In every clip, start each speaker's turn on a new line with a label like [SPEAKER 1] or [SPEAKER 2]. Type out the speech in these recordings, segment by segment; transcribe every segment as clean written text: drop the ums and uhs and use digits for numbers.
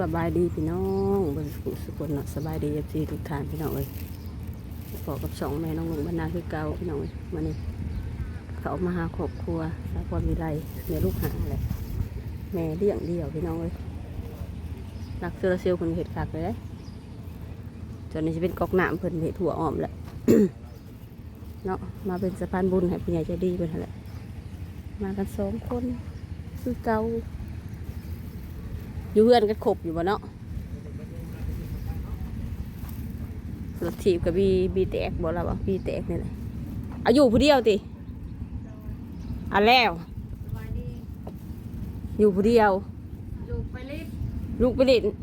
[SPEAKER 1] สบายดีพี่น้องบนสุขเนาะสบายดีเอฟซีทุกท่านพี่น้องเอ้ยพอกับสองแม่น้องลุงบรรณาคือเก่าพี่น้องเอ้ยมานี่เขามาหาครอบครัวสาวความวิไลแม่ลูกหาแหละแม่เลี้ยงเดี่ยวพี่น้องเอ้ยรักเซอร์เซลคนเห็ดคักเลยจนนี้จะเป็นกอกน้ำเพิ่นเห็ดถั่วอ้อมแหละ เนาะมาเป็นสะพานบุญให้ผู้ใหญ่ใจดีเป็นแหละมากัน2 คนคือเก่าอยู่เพื่อนกันครบอยู่บ่เนาะรถถีบกับบีแตกบ่แล้วบ่บีแตกนี่แหละอายุผู้เดียวติอันแล้วอยู่ผู้เดียวลูกไปเล่น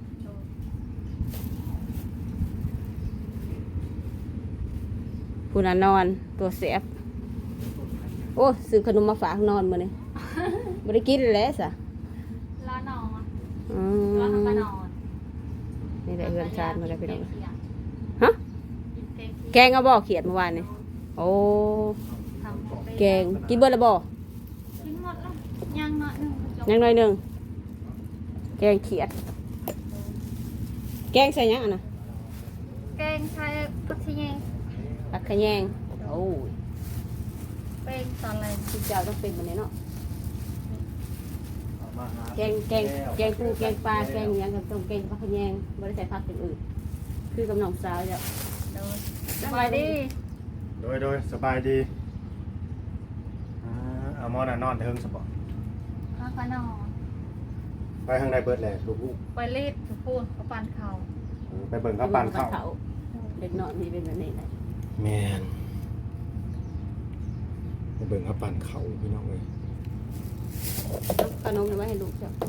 [SPEAKER 1] ผู้นั้นนอนตัวแสบโอ้ซื้อขนมมาฝากนอนมื้อนี้บ่ได้กินแล้วซะ
[SPEAKER 2] ร้านนอน
[SPEAKER 1] อืม
[SPEAKER 2] ร้านก็นอน
[SPEAKER 1] นี่แหละเฮือนชาติมาแล้วพี่น้องฮะแกงเอาบ่เขียดเมื่อวานนี่โอ้แกงกินเบิดแล้วบ่
[SPEAKER 2] กินหมดแล้วยังหน่อยนึง
[SPEAKER 1] ยังหน่อยหนึงแกงเขียดแกงใส่หยังอ่ะนะ
[SPEAKER 2] แกงไทยผักชีแยง
[SPEAKER 1] ผักขะแยงโอ้ย
[SPEAKER 2] เป็นตอนแรก
[SPEAKER 1] พี่เจ้าต้องเป็นแบบนี้เนาะแกงปูแกงปลาแกงหยังกับต้องแกงผักขะแยงบ่ได้ใส่ผักอย่างอื่นคือกับน้องสาวจ้ะ
[SPEAKER 2] โดยสบายดี
[SPEAKER 3] โดยสบายดีเอาหมอน่ะนอนเทิงสปอร์ต
[SPEAKER 2] ร้านก็นอน
[SPEAKER 3] ไปทางใดเบิดแหละลูก
[SPEAKER 2] ไปรีดพูดเขาปั่นเขา
[SPEAKER 3] ไปเบิ่งเขาปั่นข้าว
[SPEAKER 1] เด็กน้อยนี่เป็นแบบนี้แหละ
[SPEAKER 3] แม่นไปเบิ่งเขาปั่นข้าวพี่น้องเอ้ย
[SPEAKER 1] ขนมเอาไว้ให้ลูกจ้ะ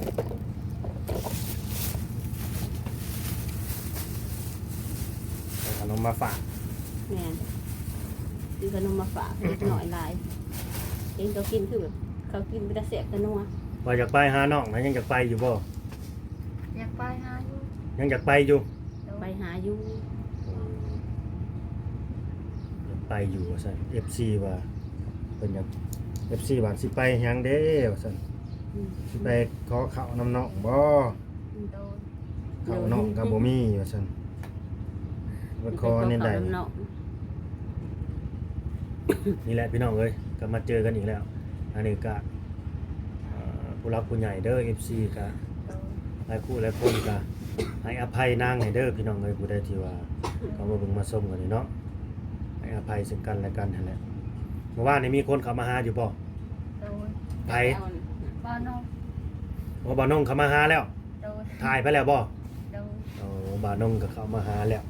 [SPEAKER 3] เอาขนมมาฝาก
[SPEAKER 1] แม่นซื้อขนมมาฝากเด็กน้อยหลายเองเขากินคือแบบเขากินเป็นตาแซ่บตะนัว
[SPEAKER 3] ว่าอยากไปหาน้องนะยังอยากไปอยู่บ่
[SPEAKER 2] อยากไปหาอยู่
[SPEAKER 3] ยังอยากไปอยู่
[SPEAKER 1] ไปหาอยู่
[SPEAKER 3] อยากไปอยู่ว่าซั่น FC ว่าเพิ่นอยาก FC ว่าสิไปหยังเด้ว่าซั่นสิไปขอข้าวน้ำน้องบ่
[SPEAKER 2] โดย
[SPEAKER 3] ข้าวน้องก็บ่มีว่าซั่นว่าขอนี่ได้
[SPEAKER 1] เนาะ
[SPEAKER 3] นี่แหละพี่น้องเอ้ยก็มาเจอกันอีกแล้ว อันนี้ก็ผู้รักผู้ใหญ่เด้อ FC ก็
[SPEAKER 2] โดย
[SPEAKER 3] หลายคู่หลายคนก็ให้อภัยนางให้เด้อพี่น้องเอ้ยผู้ใดที่ว่าเขามาเบิ่งมาชมกันนี่เนาะให้อภัยซึ่งกันและกันนั่นแหละเมื่อวานนี้มีคนเข้ามาหาอยู่บ่
[SPEAKER 2] โดย
[SPEAKER 3] ไผ
[SPEAKER 2] บ้านนอก
[SPEAKER 3] ว่าบ่าวน้องเข้ามาหาแล้ว
[SPEAKER 2] โดย
[SPEAKER 3] ถ่ายไปแล้วบ่
[SPEAKER 2] โดย
[SPEAKER 3] โอ้บ่าวน้องก็เข้ามาหาแล้ว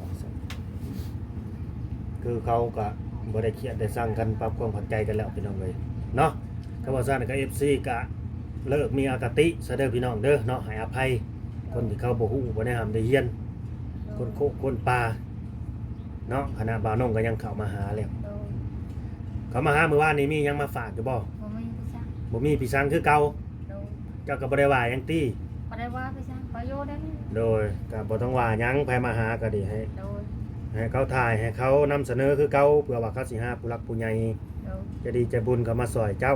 [SPEAKER 3] คือเขาก็บ่ได้เครียดได้สร้างกันปรับความเข้าใจกันแล้วพี่น้องเอ้ยเนาะก็ว่าซั่นก็ FC ก็เลิกมีอคติซะเด้อพี่น้องเด้อเนาะให้อภัยคนที่เขาบ่ฮู้บ่ได้ห้ามได้เฮียนคนโคกคนป่าเนาะคณะบ่าวน้องก็ยังเข้ามาหาแล้ว
[SPEAKER 2] โดย
[SPEAKER 3] เขามาหาเมื่อวานนี้มีหยังมาฝากอยู่บ่
[SPEAKER 2] บ่มีพี่ช่าง
[SPEAKER 3] บ่มีพี่สังคือเก่า
[SPEAKER 2] โดย
[SPEAKER 3] เจ้าก็บ่ได้ว่าหยังติ
[SPEAKER 2] บ่ได้ว่าพี่ช่างประโยชน์ได้ไหม
[SPEAKER 3] โดยก็บ่ต้องว่าหยังไผมาหาก็ดีให้
[SPEAKER 2] โดย
[SPEAKER 3] เขาถ่ายให้เขานำเสนอคือเก่าเพื่อว่าเขาสิหาผู้รักผู้ใหญ่
[SPEAKER 2] โดย
[SPEAKER 3] จะดีใจบุญก็มาซอยเจ้า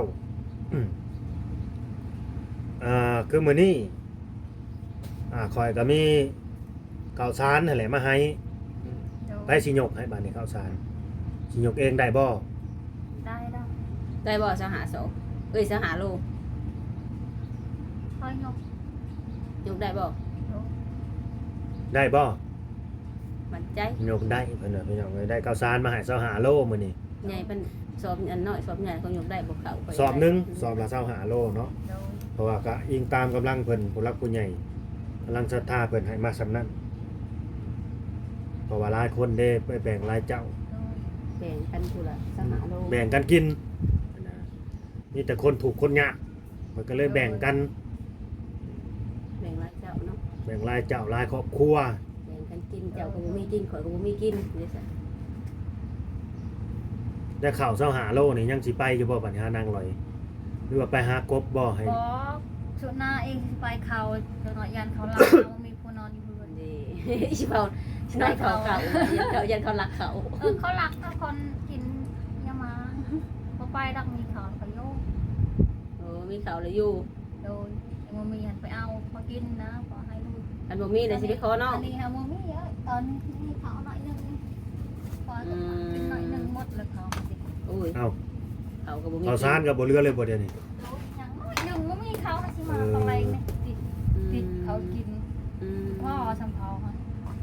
[SPEAKER 3] คือมื้อนี้ข่อยก็มีข้าวสารนั่นแหละมาให้
[SPEAKER 2] โดย
[SPEAKER 3] ไปสิยกให้บัดนี้ข้าวสารสิยกเองได้บ่
[SPEAKER 2] ได้แล้ว
[SPEAKER 1] ได้บ่สหาโสสหาโล
[SPEAKER 2] ค่อยยก
[SPEAKER 1] ยกได้บ่
[SPEAKER 2] โดย
[SPEAKER 3] ได้บ่
[SPEAKER 1] มั่นใจ
[SPEAKER 3] ยกได้เพิ่นน่ะพี่น้องเอ้ยได้ข้าวสารมาให้25โลมื้อนี้
[SPEAKER 1] ใหญ่เป็นสอบอันน้อยสอบใหญ่เขายกได้บ่เข้าไป
[SPEAKER 3] สอบหนึงสอบละ25โลเนาะ
[SPEAKER 2] โดย
[SPEAKER 3] เพราะว่าก็อิงตามกำลังเพิ่นผู้รักผู้ใหญ่กำลังศรัทธาเพิ่นให้มาสำนั้นเพราะว่าหลายคนเด้ไปแบ่งรายเจ้า
[SPEAKER 1] แบ่งกันผู้ละสหาโล
[SPEAKER 3] แบ่งกันกินนะมีแต่คนถูกคนยากมันก็เลยแบ่งกัน
[SPEAKER 1] แบ่งรายเจ้าเนาะ
[SPEAKER 3] แบ่งรายเจ้ารายครอบครัว
[SPEAKER 1] แบ่งกันกินเจ้าก็บ่มีกินข่อยก็บ่มีกินนี่ซะ
[SPEAKER 3] ได้ข่าวเช้าหาโลนี่ยังสิไปอยู่บ่บัดนี้หานางลอยหรือว่าไปหากบบ่ให้
[SPEAKER 2] ขอชุดหน้าเองไปเขาเดี๋ยวหน่อยยันเขาลาเขามีผู้นอนอยู่เพื่อน
[SPEAKER 1] นี่ สิเว้าสิน้อยเขายันเขารักเขา
[SPEAKER 2] เขารักถ้าคนกินยามาพอไปรักมีเขาเขาโยก
[SPEAKER 1] โอ้มีเขาเลยอยู่
[SPEAKER 2] โดยยังมีหันไปเอามากินนะขอให้ลูก
[SPEAKER 1] อันบ่มีเลยสิไปขอน้อง
[SPEAKER 2] อันนี้ฮะโมมี่เยอะตอนนี้เขาหน่อยนึงพอกินหน่อยนึงหมดเลยเขาสิ
[SPEAKER 1] โอ้ย
[SPEAKER 3] เอ้า
[SPEAKER 1] เขาก็บ่มี
[SPEAKER 3] เอาซานกับบ่เรือเลยบ่เดี๋ยวนี้
[SPEAKER 2] อย่างน้อยหนึ่งโมมี่เขานะสิมาตอนแรงเนี่ยติดเขากิน
[SPEAKER 1] อืม
[SPEAKER 2] พ่อชมเขาค่ะ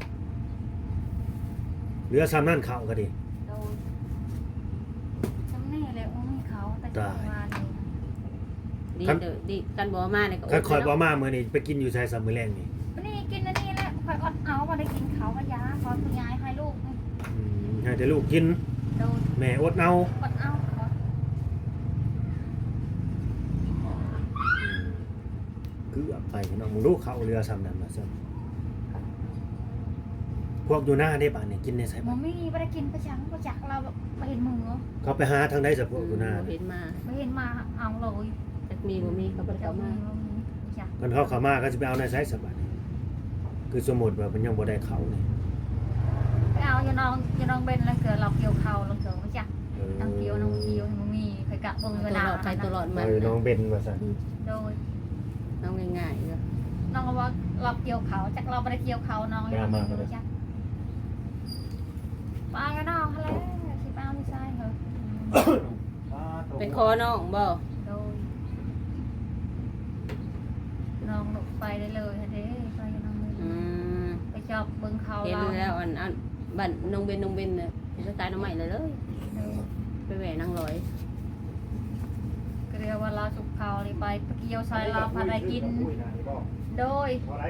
[SPEAKER 3] เรือซ้ำนั่นเข้าก็ดิ
[SPEAKER 2] โดนจำนี่เลยโมมี่เขาแต่จะมาเนี่ย
[SPEAKER 1] ดีเด้อดีกันบ่มาเนี่ยก็
[SPEAKER 3] คันคอยบ่
[SPEAKER 1] เนาะ
[SPEAKER 3] มามื้อนี้ไปกินอยู่ชายสามมื้อแรงนี่
[SPEAKER 2] วันนี้กินอันนี้แหละคอยอดเอามาได้กินเขาก็ยาขอคุณยายให้ลูก
[SPEAKER 3] ให้แต่ลูกกิน
[SPEAKER 2] โดน
[SPEAKER 3] แม่อดเอา
[SPEAKER 2] อดเอาขอ
[SPEAKER 3] คือเอาไปพี่น้องมึงลูกเข้าเรือซ้ำนั่นมาซ้ำพวกอยู่หน้าได้ป่านนี่กินในไส
[SPEAKER 2] โม
[SPEAKER 3] บ่
[SPEAKER 2] มี่ไม่ได้กินประจังประจักเราไปเห็นมือ
[SPEAKER 3] เขาไปหาทางใดสักพวกอยู่หน้า
[SPEAKER 1] บ่เห็นมา
[SPEAKER 2] ไม่เห็นมาเอาเลย
[SPEAKER 1] จักมีบ่มีเขาบ่ได้เข้ามา
[SPEAKER 2] จ้ะ
[SPEAKER 3] มันเข้ามาก็จะไปเอาในไซส์สบัดคือสมมุติว่ามันยังบ่ได้เขานี่
[SPEAKER 2] ไปเอาอย่าน้องเบนแล้วเกิดเราเกี่ยวเขาเราเกิดไม่จ้ะน้องเกี่ยวมันมีเคยกะเบิ่ง
[SPEAKER 1] ตั
[SPEAKER 2] เว
[SPEAKER 1] ว
[SPEAKER 2] ลา
[SPEAKER 1] หลอดไปตัวหลอดมา
[SPEAKER 3] น้องเบนว่าซั่น
[SPEAKER 2] โดย
[SPEAKER 1] เอาง่ายๆก็
[SPEAKER 2] น้องว่าเราเกี่ยวเขาจากเราไม่ได้เกี่ยวเขาน้องยังไม่จ้ะปลากันน้องอะไรสิป้าไม่ใช่เหรอ
[SPEAKER 1] เป็นคอน้องบ่
[SPEAKER 2] โดยน้องหลบไปได้เลยเด้ไปน้องเลย
[SPEAKER 1] อืม
[SPEAKER 2] ไปชอบเบิ่งเขา
[SPEAKER 1] เห็น
[SPEAKER 2] เรา
[SPEAKER 1] แล้วอันบ้านน้องเบนน่ะสไตล์น้องใหม่เลยไปแหวนนางร้อย
[SPEAKER 2] ก็เรียกว่าเราสุกเขาเลยไปเกี่ยวใส่เราพาได้กินโดย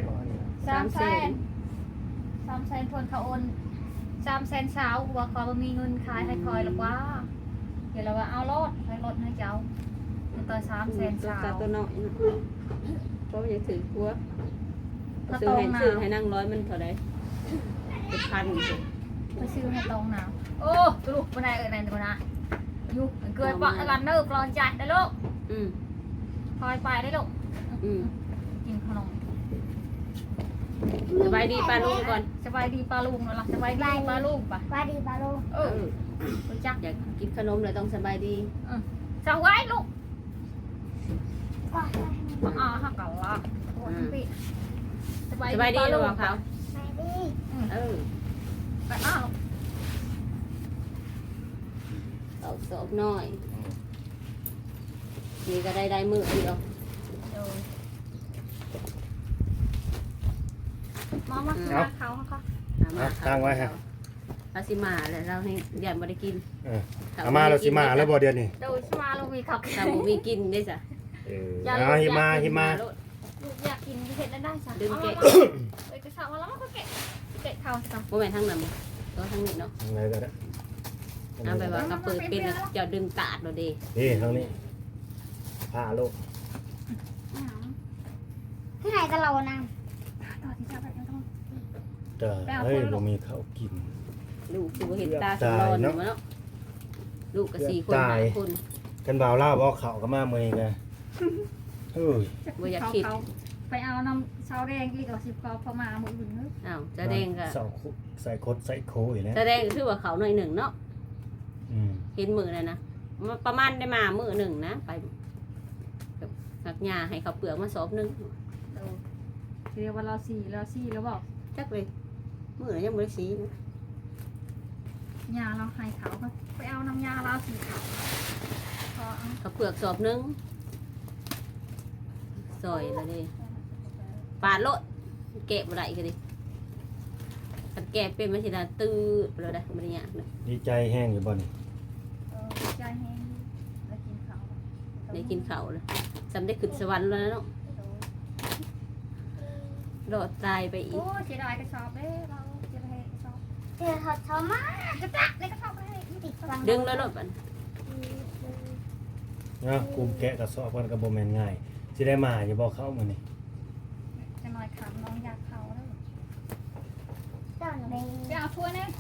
[SPEAKER 2] 300,000ทวนเขาโอน300,000สาวว่าเขาบ่มีเงินขายให้คอยหรอกว่าเดี๋ยวเราว่าเอารถให้รถให้เจ้าต่อ300,000สาว
[SPEAKER 1] ตัวน้อยเพราะมันยังถือกลัว
[SPEAKER 2] ถ้า
[SPEAKER 1] ซื้
[SPEAKER 2] ต
[SPEAKER 1] อ
[SPEAKER 2] รง
[SPEAKER 1] ให้
[SPEAKER 2] นะ
[SPEAKER 1] ซื้อให้นั่งร้อยมันเท่าไรเป็นพันสิ
[SPEAKER 2] ไปซื้อให้ตรงนะโอ้ลูกบ่ได้นั่นตัวนะอยู่เกิดปะกันเนิบรอจ่ายได้ลูก
[SPEAKER 1] อืม
[SPEAKER 2] คอยไปได้ลูก
[SPEAKER 1] อืม
[SPEAKER 2] กินขนม
[SPEAKER 1] สบายดีป้าลุงก่อน
[SPEAKER 2] สบายดีปลาลุงแล้วล่ะสบายดีปลาลุงปะ
[SPEAKER 4] ปลาดีปลาโล
[SPEAKER 2] เออรู้จัก
[SPEAKER 1] อยากกินขนมเลยต้องสบายดี
[SPEAKER 2] สบายลูก
[SPEAKER 4] ปลา
[SPEAKER 2] อ๋อฮักกันละสบาย
[SPEAKER 1] สบายดีหรือเป
[SPEAKER 2] ป
[SPEAKER 1] ล่าเขา
[SPEAKER 4] ปลาดี
[SPEAKER 1] เออ
[SPEAKER 2] ไปอ้าว
[SPEAKER 1] เอาสอบหน่อยนี่ก็ได้มือเดียว
[SPEAKER 2] มาเขาเขา
[SPEAKER 3] ตั้งไว้ฮะ
[SPEAKER 1] เราสิมาแล้วเราให้ยายบ่ได้กิน
[SPEAKER 3] เอามาแล้วสิมาแล้วบ่เดี๋ยวนี้
[SPEAKER 2] โดยมาลงมีเขา
[SPEAKER 1] ถ้าบ่มีกินได้จ้ะ
[SPEAKER 3] เอาหิมาหิมา
[SPEAKER 2] ลูกอยากกินเห็ดได้จ้ะ
[SPEAKER 1] ดึงแกะ
[SPEAKER 2] เอ้ยกระเช้าแล้วก็แกะเขาจ้ะ
[SPEAKER 1] บ่แม่นทางนั้นบ่ตัวทางนี้เนาะ
[SPEAKER 3] อะไรก็ได้
[SPEAKER 1] เอาไปว่ากระเปิดเป็นแล้วเจะดึงตาดเราดี
[SPEAKER 3] นี่ทางนี้ผ้าลูก
[SPEAKER 4] ที่ไหนกันเรานะ
[SPEAKER 2] ต่อที่จะไปต้อง
[SPEAKER 3] แต่เฮ้ยบ่มีข้าวกิน
[SPEAKER 1] ลูกคือบ่เห็นตาสำรอนอยู่เนาะลูกก็4คน5คน
[SPEAKER 3] กันบ่าวลาวบ่เข้าก็มามื้อนี้ไงเฮ้ย
[SPEAKER 1] บ่อยากคิด
[SPEAKER 2] ไปเอาน้ำเช้าแดงอีกเอา10กอพอมาหมดอื่นเนอะ
[SPEAKER 1] อ้าวแสดงก็
[SPEAKER 3] ใส่คดใส่โคอีกแล้ว
[SPEAKER 1] แสดงคือว่าเขาหน่อยหนึ่งเนาะ
[SPEAKER 3] อืม
[SPEAKER 1] เห็นมือนั่นนะประมาณได้มามือหนึ่งนะไปหักหญ้าให้เขาเปลือกมาสอบหนึง
[SPEAKER 2] เรียกว่าเราสี่แล้วบอก
[SPEAKER 1] จักเลยมือยังบ่ได้สีนะ
[SPEAKER 2] ยาเราให้เขาไปเอาน้ำยาเราสีขาวพอเอา
[SPEAKER 1] เขาเปลือกสอบหนึงซอยแล้วดิปาดโลดแกะบ่ได้ก็ดิคันแกะเป็นมันสิได้ตื้อแล้วได้บ่ได้ยากนะ
[SPEAKER 3] ดีใจแห้งอยู่บ่นี่
[SPEAKER 2] ใจแห้งแล้วกินเขา
[SPEAKER 1] ได้กินข้าวแล้วสำได้ขึ้นสวรรค์แล้วนะเนาะรอดตายไปอี
[SPEAKER 2] โอ้
[SPEAKER 1] ก
[SPEAKER 2] เสียดายกระสอบเด้เราจะไปกระสอบ
[SPEAKER 4] เจอทอดชอมาก
[SPEAKER 2] ระตักในกระสอบไปให้
[SPEAKER 4] ติดฟัง
[SPEAKER 1] ดึงแล้วรถบัด
[SPEAKER 3] นะกูแกะกระสอบกันก็บ่แม่นง่ายสิได้มาอยู่บ่เข้ามื้อนี้
[SPEAKER 2] จะหน่อยขำน้องอยากเขาแล้ว
[SPEAKER 4] เจ้าหนูเอง
[SPEAKER 2] ไปเอาถ้วยนี่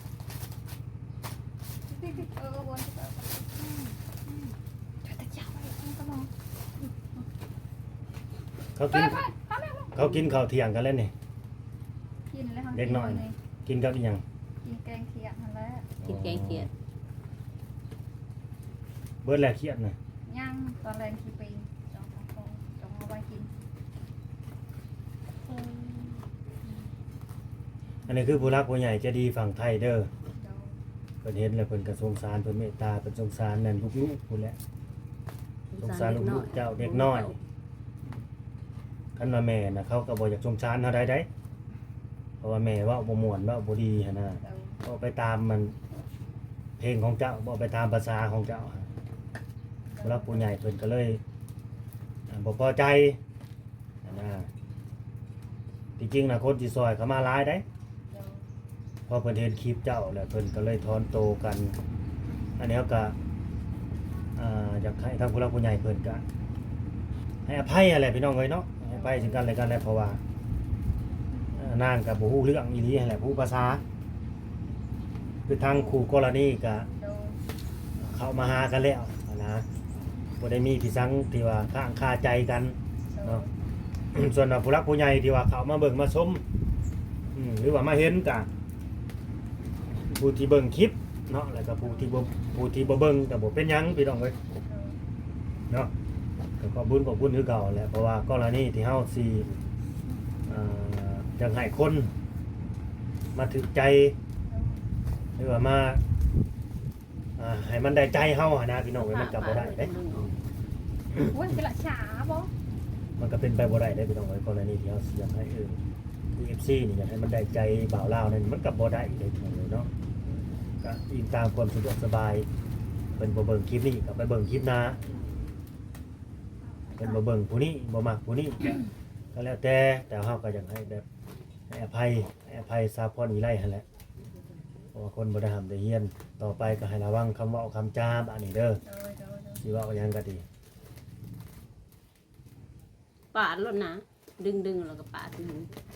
[SPEAKER 2] วนจะจับไปก็มอง
[SPEAKER 3] เขา
[SPEAKER 2] ไป
[SPEAKER 3] กิน
[SPEAKER 2] ไปเขาไม่
[SPEAKER 3] เขากินข้าวเที่ยงกันแล้วนี่
[SPEAKER 2] กินแล้ว
[SPEAKER 3] กินกับอีหยัง
[SPEAKER 2] กินแกงเขียดนั่นแหละ
[SPEAKER 1] กินแกงเขียด
[SPEAKER 3] เบิดแล้วเครียดน่ะ
[SPEAKER 2] ย่างตอนแรงกี่ปีจองเอาไว้กิน
[SPEAKER 3] อันนี้คือผู้รักผู้ใหญ่ใจะดีฝั่งไทยเด้อเพิ่นเห็นแล้วเพิ่นก็สงสารเพิ่นเมตตาเพิ่นสงสารนั่นลูกๆพุ่นแหละสงสารลูกๆเจ้าเด็กน้อยคันว่าแม่น่ะเขาก็บ่อยากสงสารเฮาได้เพราะว่าแม่เว้าบ่ม่วนเว้าบ่ดีหั่นน่ะก็ไปตามมันเพลงของเจ้าบ่ไปตามภาษาของเจ้าผู้รักผู้ใหญ่เพิ่นก็เลยบ่พอใจนะที่จริงนะคนที่ซอยเขามาหลายได้พอเพิ่นเห็นคลิปเจ้าแล้วเพิ่นก็เลยถอนโตกัน อันนี้ก็อยากให้ทางผู้รักผู้ใหญ่เพิ่นก็ให้อภัยอะไรพี่น้องเอ้ยเนาะให้อภัยซึ่งกันและกันแหละเพราะว่านางก็บ่ฮู้เรื่องอีหลีนั่นแหละผู้ภาษาคือทางคู่กรณีก็เข้ามาหากันแล้วนะบ่ได้มีพี่สังที่ว่าค้างคาใจกันเนาะ ส่วนผู้รักผู้ใหญ่ที่ว่าเขามาเบิ่งมาชมหรือว่ามาเห็นกับผู้ที่เบิ่งคลิปเนาะแล้วก็ผู้ที่บ่เบิ่งก็บ่เป็นหยังพี่น้องเอ้ยเนาะก็ขอบคุณคือเก่าแหละเพราะว่ากรณีที่เฮาสิจังให้คนมาถึกใจหรือว่ามาให้มันได้ใจเฮานะพี่น้องเอ้ยมันก็บ่ได้เด้
[SPEAKER 2] โอ้ยเป็นละฉาบ่
[SPEAKER 3] มันก็เป็นไปบ่ได้ได้พี่น้องเอ้ยกรณีที่เฮาสิอยากให้UFC นี่อยากให้มันได้ใจบ่าวลาวนั่นมันก็บ่ได้ได้พี่น้องเอ้ยเนาะก็อิงตามความสะดวกสบายเพิ่นบ่เบิ่งคลิปนี้ก็ไปเบิ่งคลิปหน้าเพิ่นบ่เบิ่งผู้นี้บ่มักผู้นี้ก็แล้วแต่เฮาก็อยากให้แบบให้อภัยซาพรอีไลหั่นแหละเพราะว่าคนบ่ได้ห้ามได้เฮียนต่อไปก็ให้ระวังคำเว้าคำจาบัดนี้เด้อสิเว้าหยังก็ดี
[SPEAKER 1] ปาดรถนะดึงแล้วก็ปาดดึง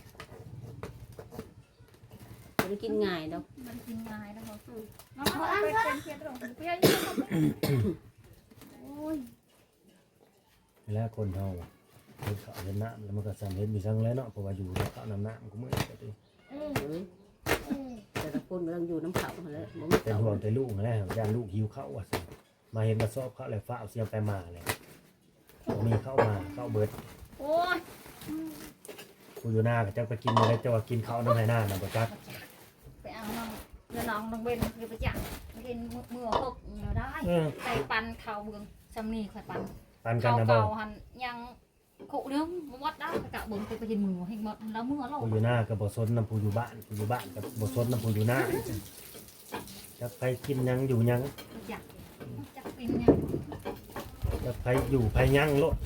[SPEAKER 1] ไม่ได้กินง่ายดอก
[SPEAKER 2] มันกินง่ายนะคะน้องเอาไปเป็นเพียรตรงเพียรยิ่งเข้าไปโอ้ย
[SPEAKER 3] แล้วคนเฮาเฮ็ดข้าวเฮ็ดน้ำแล้วมันก็สั่นเฮ็ดมีซังแล้วเนาะเพราะว่าอยู่ในข้าวน้ำมันก็มื้อก็ติ
[SPEAKER 1] เอ้ยแต่ละคนมันต้องอยู่น้ำเขาหั่นแหละบ่มี
[SPEAKER 3] เป็น
[SPEAKER 1] เขา
[SPEAKER 3] ห่วงแต่ลูกนั่นแหละย่านลูกหิวข้าวว่าซั่นมาเห็นกระสอบข้าวแล้วฟ้าเอาเสียงไปมาเลยบ่มีข้าวมาข้าวเบิด
[SPEAKER 2] โอ้ย
[SPEAKER 3] ผู้อยู่หน้าก็จักไปกินอะไรแต่ว่ากินข้าวน้ำให้หน้าน่ะบ่จัก
[SPEAKER 2] ไปเอาน้องเดี๋ยวน้องต้องเว้นคือไปจังกินมือหกเดี๋ยวได้ไปปันข้าวเบืองจำนี่ค่อยปัน
[SPEAKER 3] ปันกัน
[SPEAKER 2] ข้าว
[SPEAKER 3] นะบ่
[SPEAKER 2] เก่าหันยังcụ nếu mất đã cả bốn cái nhìn mùa hình mật là mưa
[SPEAKER 3] ผู้อ
[SPEAKER 2] rồi
[SPEAKER 3] ยู่หน้าก็บ่สนนำผู้อยู่บ้านก็บ่สนนำผู้อยู่หน้าจักไปกินหยังอยู่หยัง
[SPEAKER 2] chắc chắc tin nha
[SPEAKER 3] จักไปอยู่ไปหยังโลด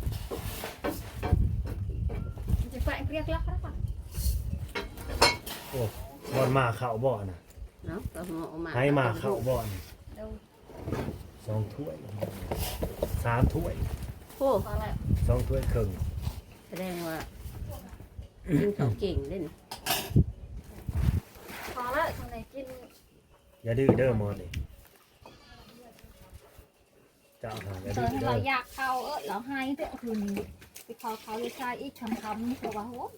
[SPEAKER 2] chỉ phải biết lắc đó mà
[SPEAKER 3] โอ้บ่อนมาเข้าบ่อน่ะ
[SPEAKER 1] เนาะก็เหมาะมา
[SPEAKER 3] ให้มาเข้าบ่อน
[SPEAKER 2] đâu
[SPEAKER 3] 2 ถ้วย 3 ถ้วย
[SPEAKER 1] โอ้
[SPEAKER 2] có lại
[SPEAKER 3] 2 ถ้วยครึ่ง
[SPEAKER 1] แสดงว่ากินข้าวเก่งเล่น
[SPEAKER 2] có lại thằng này kinh
[SPEAKER 3] อย่าดื้อเด้อหมอนี่เจ้าหาอย่าดื้
[SPEAKER 2] rồi
[SPEAKER 3] อ
[SPEAKER 2] thằng
[SPEAKER 3] เด้อ
[SPEAKER 2] là giặc khao ớ là hai tượng thường cái khao khao cái sai ít chấm chấm của bà hốt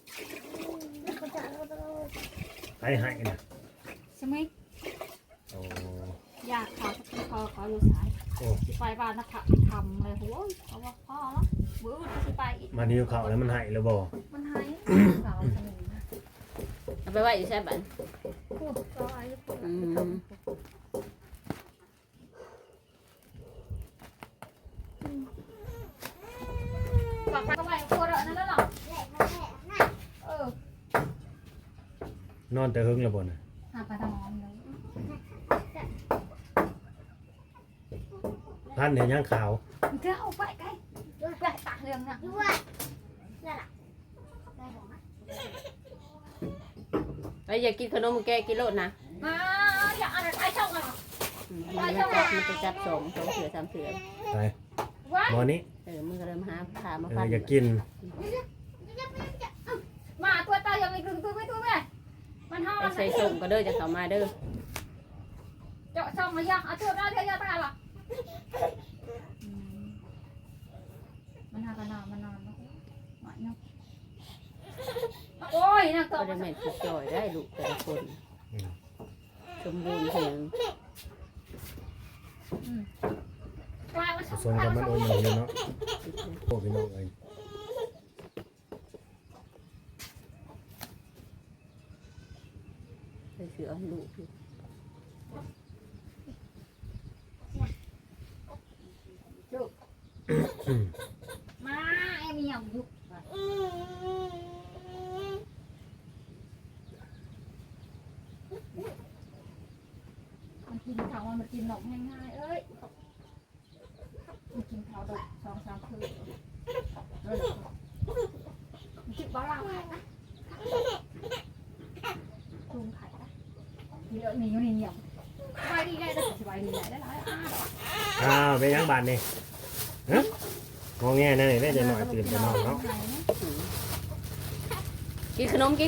[SPEAKER 3] ให้น่ะ
[SPEAKER 2] xem ấy
[SPEAKER 3] โอ้
[SPEAKER 2] giặc khao cái khao khao cái sai
[SPEAKER 3] โอ้
[SPEAKER 2] chỉ phải vào nó thầm này hối có bao khó lắm bữa nó chỉ phải ít
[SPEAKER 3] มานิ้วเข้าแล้วมันให้แล้วบ่
[SPEAKER 2] มันให้เราสนุกนะ
[SPEAKER 1] เอาไปไว้อยู่ใช่บัน
[SPEAKER 2] พูดก็ไอ้พูด
[SPEAKER 1] อืม
[SPEAKER 2] ฝากไปก็ไปพูดแล้วนั่นแล้วหรอเออน
[SPEAKER 3] อนแต่หึงแล้วบ่น่ะ
[SPEAKER 2] หาไปทำงานเลย
[SPEAKER 3] พันเห็นยังขาว
[SPEAKER 2] เจ้าไปไกลไปตักเรื่องนะ
[SPEAKER 1] ไปอยากกินขนมแกกินโลดนะ
[SPEAKER 2] มาอย่าอะไรไปช่องอ่ะ
[SPEAKER 1] มันจะจับสองเสือสามเสือ
[SPEAKER 3] ไป
[SPEAKER 2] ว้า
[SPEAKER 3] หมอนี้
[SPEAKER 1] มึงก็เริ่มหาขามา
[SPEAKER 3] เอ
[SPEAKER 1] ฟั
[SPEAKER 3] อน อยากกิน
[SPEAKER 2] มาตัวตายังไม่ถึงตัวไม่ตัวแม่มันห้อง
[SPEAKER 1] ไปใส่ส่งก็เด้อจะเข้ามาเด้อ
[SPEAKER 2] เจาะช่องมายังเอาตัวได้เท่าตาหรอมันหากันนานมันนานแล้วหน่อยนึงโอ้ยนั่ง
[SPEAKER 1] ก็
[SPEAKER 2] ต่อ
[SPEAKER 1] ได้แม่ติดจอยได้ลูกแต่ละคนสมบูรณ์เพียง
[SPEAKER 3] ผสมกับมันโอนอยู่เนาะโอ้พี่น้องเอ้ย
[SPEAKER 1] ส่เสื้อให้ลูกอยู่
[SPEAKER 2] มาไอ้เมียยุกมันกินข้าวมันกินหนมง่ายๆเอ้ยมันกินข้าวดอก2-3 คืนมันคิดบ้าจุ่มไข่เยอะนี่อยู่นี่เนี่ยสบายดีได้แต่สบายดีได้หลาย
[SPEAKER 3] เป็นยังบานนี่ฮะงอแงนั่นนี่แม่จะหน่อยตื่นจะนอนเนาะ
[SPEAKER 1] กินขนม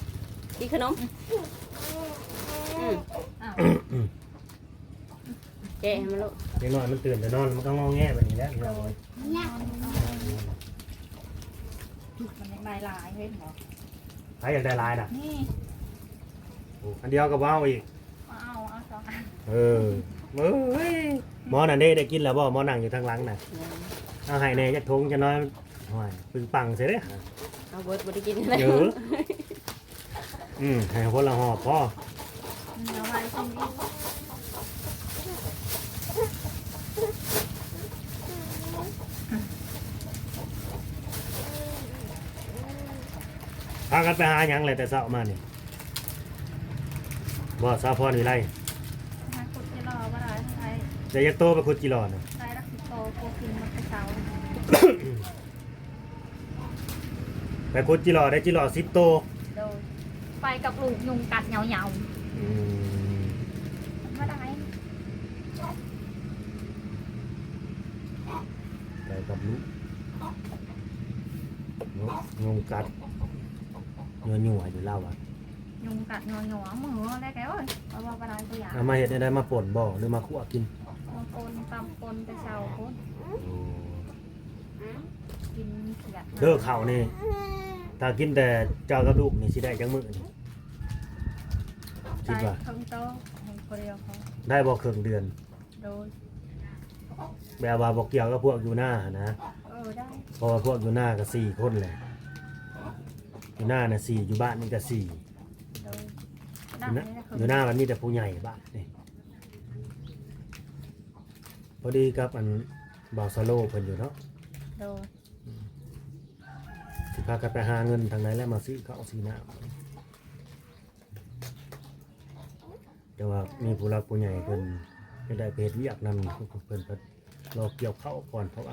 [SPEAKER 1] แกะให้มันลูก
[SPEAKER 3] เด็กน้อยมันตื่นจะนอนมันก็งอแงแบบนี้แหล้วพี่น้องเอ้ย
[SPEAKER 2] มันยังลายลายเห็นเหรอ
[SPEAKER 3] ใครอยากได้ลายน่ะ
[SPEAKER 2] นี่
[SPEAKER 3] โอ้อันเดียวกับว่าวอีก
[SPEAKER 2] เอา2 อัน
[SPEAKER 3] เฮ้ยหมอน่ะได้กินแล้วบ่หมอนั่งอยู่ทางหลังน่ะเอาให้แน่จักทงจะน้อยโอ้ยปึงปังเสียเด้อ
[SPEAKER 1] เอาเบิร์ดบ่ได้กินอะไร
[SPEAKER 3] เยอะให้คนละหอบพ่อ
[SPEAKER 2] เอาไว้ตรงนี้
[SPEAKER 3] พากันไปหาหยังเลยแต่เช้ามานี่บ่สาวพรวิไล
[SPEAKER 2] มาขุดจะรอว่าได้ไทย
[SPEAKER 3] จะยักโตไปขุดจิรอน่ะ
[SPEAKER 2] ไทยรักสิโตโกกินมันไปเสา
[SPEAKER 3] ไปขุดจิรอได้จิรอ10โต
[SPEAKER 2] โดยไปกับลูกยุงกัดเหงา
[SPEAKER 3] อืม
[SPEAKER 2] ๆว่าได้
[SPEAKER 3] ไปกับลูกงงกัดยัวอยู่เล่าอ่ะ
[SPEAKER 2] ยุงกัดหนัวมือได้แกเอ้ยว่าได้ตัวอย่าง
[SPEAKER 3] เอามาเฮ็ดได้มาป่นบ่หรือมาคั่วกิน
[SPEAKER 2] บางคนตำคนไปเสาคนกินเขียด
[SPEAKER 3] เด้อข้าวนี่ถ้ากินแต่เจ้ากับลูกนี่สิได้จังมื้อนี่คิดว่า
[SPEAKER 2] ทั้งโตให้คนเดียวเขา
[SPEAKER 3] ได้บ่ครึ่งเดือน
[SPEAKER 2] โดย
[SPEAKER 3] แบบว่าบ่เกี่ยวกับพวกอยู่หน้านะ
[SPEAKER 2] ได้
[SPEAKER 3] เพราะว่าพวกอยู่หน้าก็4คนแหละอยู่หน้าน่ะ4อยู่บ้านนี่ก็4
[SPEAKER 2] โดย
[SPEAKER 3] อยู่หน้ามันมีแต่ผู้ใหญ่บ้านนี่พอดีครับอันบาวซาโลเพิ่นอยู่เนาะ
[SPEAKER 2] โดย
[SPEAKER 3] สิพากันไปหาเงินทางไหนแล้วมาซื้อข้าวซื้อน้ำแต่ว่ามีผู้รักผู้ใหญ่เพิ่นจะได้ไปเฮ็ดเวียกนำเพิ่นก็รอเกี่ยวข้าวก่อนเพราะว่าร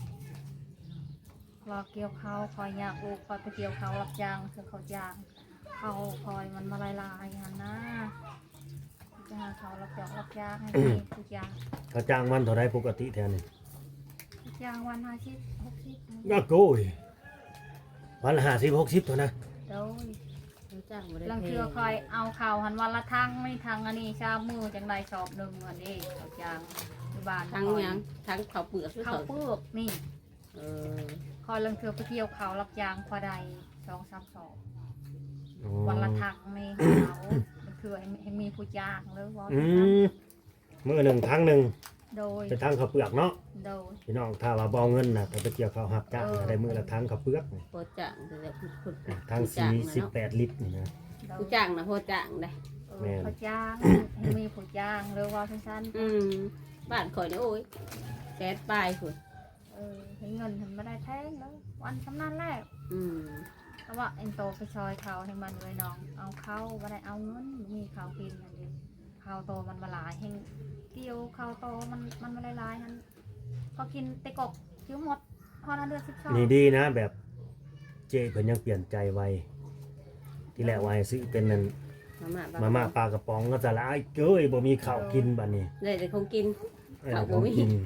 [SPEAKER 2] อเกี่ยวเขาคอยอยากลูกคอยไปเกี่ยวเขารับจ้างเสือเขาจ้างเขาคอยมันมาลายหันนะจะหาเขารับจ้างให้ทุกอย่าง
[SPEAKER 3] เขาจ้างวันเท่าไรปกติแทนนี่
[SPEAKER 2] ทุกอย่างวัน50-60
[SPEAKER 3] ก็โก้ยวันละ50-60เท่านั้น
[SPEAKER 2] โดย
[SPEAKER 1] จ้างบ่ได้
[SPEAKER 2] ลัง
[SPEAKER 1] แพ
[SPEAKER 2] เทือง คอยเอาข่าวหันวันละทั้งไม่ทั้งอันนี้ชามือจังใดสอบหนึ่งอันนี้เขาจ้างที่บ้าน
[SPEAKER 1] ทั้งหยังทั้งข้าวเปลือกหรือ
[SPEAKER 2] เขา
[SPEAKER 1] ข้าว
[SPEAKER 2] เปลือกนี่
[SPEAKER 1] เออ
[SPEAKER 2] คอยลังเทือไปเกี่ยวเขารับจ้างพอใด2-3 สอบ
[SPEAKER 3] อ๋อ
[SPEAKER 2] วันละทักนี่เขาคือให้มีผู้จ้างหรือว่า
[SPEAKER 3] มื้อหนึ่งครั้งหนึ่ง
[SPEAKER 2] โดย
[SPEAKER 3] เป็นทั้งข้าวเปลือกเนาะ
[SPEAKER 2] โดย
[SPEAKER 3] พี่น้องถ้าว่าบ่เอาเงินน่ะถ้าไปเกี่ยวข้าวหับจ้างก็ได้มื้อละทั้งข้าวเปลือกนี่
[SPEAKER 1] โพจ้างแต่ผู้
[SPEAKER 3] ทั้ง
[SPEAKER 1] จ้างนะเนาะ
[SPEAKER 3] 48ลิตรนี่นะ
[SPEAKER 2] โดย
[SPEAKER 1] ผู้จ้างนะโพจ้างได้
[SPEAKER 2] ผู้จ้างให้มีผู้จ้างหรือว่าสั้น
[SPEAKER 1] บ้านข่อยนี่โอ้ยแก๊สปลายพุ่น
[SPEAKER 2] เห็นเงินทำไม่ได้แท้งแล้ววันสำนันแรก
[SPEAKER 1] อืม
[SPEAKER 2] แต่ว่าเอ็นโตไปซอยเขาให้มันเลยน้องเอาเข้าไม่ได้เอาเงินมีข้าวกินอันนี้ข้าวโตมันมาหลายเฮงเกี่ยวข้าวโตมันมาหลายๆนั้นก็กินเตะกกคิ้วหมดพอนั้นเดือน12
[SPEAKER 3] นี่ดีนะแบบเจ๊เพิ่นยังเปลี่ยนใจไวที่แรกว่าให้ซื้อเป็นนั่น มาม่าปลากระป๋องก็จะละไอ้เก้ยบ่มีข้าวกินบัดนี้
[SPEAKER 1] ได้แต่คงกิน ข้าวบ่
[SPEAKER 3] ของ
[SPEAKER 1] มี
[SPEAKER 3] กิน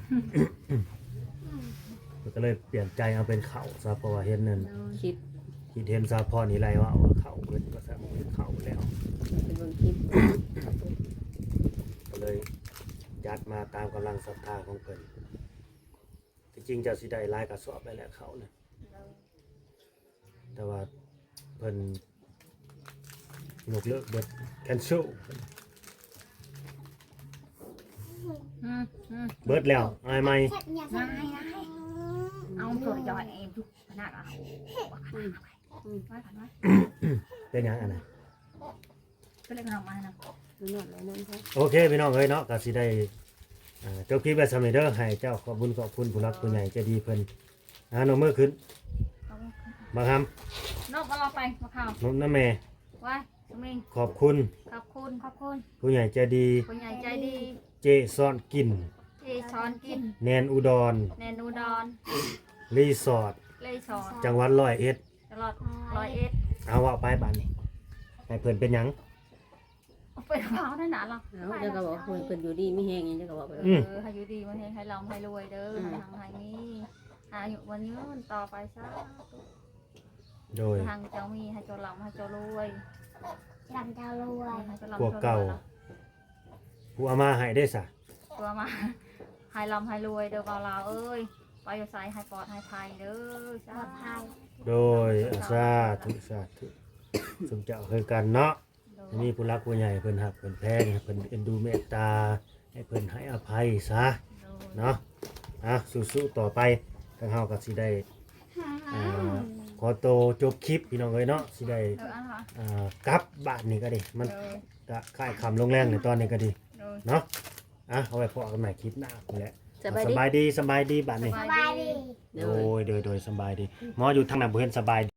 [SPEAKER 3] ก็เลยเปลี่ยนใจเอาเป็นข้าวซะเพราะว่าเห็นนั่น
[SPEAKER 1] คิด
[SPEAKER 3] คิดเห็นซาพรนี่ไรว่าเอาข้าวเพิ่นก็ซะบ่เป็นข้าวแล้ว
[SPEAKER 1] เป็นเบิ่งคลิป
[SPEAKER 3] ก็เลยยัดมาตามกำลังศรัทธาของเพิ่นที่จริงจะสิได้หลายกระสอบได้แหละเขาน่ะแต่ว่าเพิ่นยกเลิกเบิดแคนเซิลเบิดแล้วอายไหม
[SPEAKER 4] แค่อยาก
[SPEAKER 2] ง่ายเอาตัวจอยเองทุกขนาดเอาไว้กันไว้
[SPEAKER 3] เป็นหยังอันน่ะ
[SPEAKER 2] เป็นอะไรกันออกมานะ
[SPEAKER 1] นอนแล้วนั่นเขา
[SPEAKER 3] โอเคพี่น้องเอ้ยเนาะก็สิได้จบคลิปไว้สำเร็จเด้อให้เจ้าขอบคุญขอบคุณผู้รักผู้ใหญ่ใจดีเพิ่นนมมือขึ้นมาค
[SPEAKER 2] นอกมาเราไปมาข่าวน
[SPEAKER 3] มน้ำแม่
[SPEAKER 2] ไว้สมิง
[SPEAKER 3] ขอบคุณ
[SPEAKER 2] ขอบคุณ
[SPEAKER 3] ผู้ใหญ่ใจดี
[SPEAKER 2] คนใหญ่ใจดี
[SPEAKER 3] เจซ่อนกิน
[SPEAKER 2] ที่ช้อนกิน
[SPEAKER 3] แนนอุดร
[SPEAKER 2] แนนูดอน
[SPEAKER 3] รีสอร์ท
[SPEAKER 2] เลยช้อน
[SPEAKER 3] จังหวัดร้อยเอ็ด
[SPEAKER 2] ตลอด101
[SPEAKER 3] เอาว่าไปบ้านนี้ให้เพิ่นเป็นหยัง
[SPEAKER 2] เอาไปเผาได้หนาหรอ
[SPEAKER 1] แล้วเจ้าก็บอกเพิ่นอยู่ดีไม่แห้งเจ้าก็บอกไป
[SPEAKER 2] ให้อยู่ดีมันให้เราให้รวยเด้อให้ทางให้มีอายุวันยืนต่อไปซะ
[SPEAKER 3] โดย
[SPEAKER 2] ทางเจ้ามีให้เจ้าลำให้เจ้ารวย
[SPEAKER 4] ลำดาวรวย
[SPEAKER 2] ให้เจ้าลำ
[SPEAKER 3] พวกเก่า ผู้เอามาให้ได้ซะ
[SPEAKER 2] ตัวมาให้ลำให้รวยเด้อบ่าวลาวเอ้ยไปอยู่ไสให้ปลอดให้ภัยเด้อ
[SPEAKER 4] ปลอดภัย
[SPEAKER 3] โดยสาธุสาธุสมเจ้าคือกันเนาะมีผู้รักผู้ใหญ่เพิ่นฮักเพิ่นแพงให้เพิ่นเอ็นดูเมตตาให้เพิ่นให้อภัยซะเนาะสู้ๆต่อไปทางเฮาก็สิได้ขอโตวจบคลิปพี่น้องเอ้ยเนาะสิได้กลับบ้านนี่ก็ดีมันก็ค่ายคำลงแรงในตอนนี้ก็ดีเนาะเอาไว้พอกันใหม่คลิปหน้าพุ่นแหละสบายดีบ้านนี่
[SPEAKER 4] สบายดี
[SPEAKER 3] โดยสบายดีหมออยู่ทางนั้นบ่เห็นสบาย